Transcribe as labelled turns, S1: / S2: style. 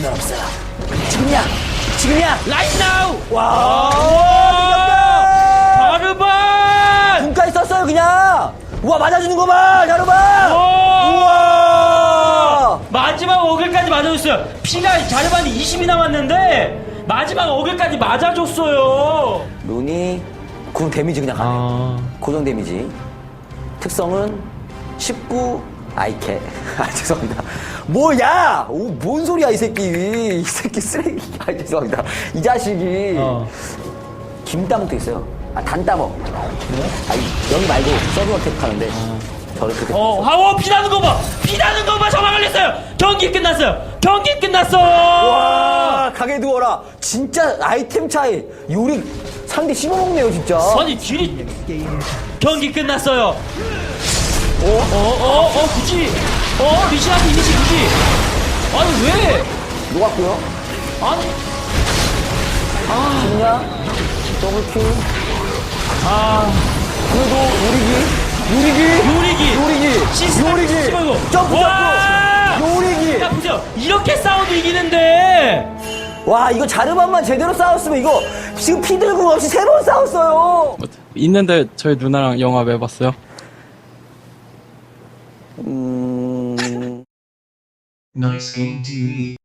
S1: 건 없어. 지금이야! 지금이야!
S2: Right now!
S1: 와!
S2: 자르반!
S1: 군까지 썼어요, 그냥! 우와, 맞아주는 거 봐! 자르반!
S2: 우와! 마지막 어글까지 맞아줬어요. 피가 자르반이 20이 남았는데 마지막 어글까지 맞아줬어요.
S1: 룬이 군 데미지 그냥 가네. 고정 데미지. 특성은 19 아이캐. 아, 죄송합니다. 뭐야! 오, 뭔 소리야, 이 새끼. 이 새끼 쓰레기. 아, 죄송합니다. 이 자식이. 김따먹도 있어요. 아, 단따먹. 아, 여기 말고 서브 어택 하는데. 저를 그렇게.
S2: 피나는 거 봐! 피나는 거 봐! 저만 걸렸어요! 경기 끝났어요! 경기 끝났어!
S1: 와, 가게 두어라. 진짜 아이템 차이. 요리 상대 씹어먹네요, 진짜.
S2: 아니, 딜이. 경기 끝났어요! 굳이! 리시한테 이니시 굳이! 아니, 왜!
S1: 녹았고요.
S2: 아니,
S1: 좋냐? 더블킬. 그래도 요리기.
S2: 요리기! 시스템
S1: 요리기.
S2: 씹어이고.
S1: 점프.
S2: 와!
S1: 요리기.
S2: 야, 보세요. 이렇게 싸워도 이기는데!
S1: 와, 이거 자르반만 제대로 싸웠으면 이거 지금 피들궁 없이 3번 싸웠어요.
S3: 있는데 저희 누나랑 영화 왜 봤어요?
S4: Nice game TV.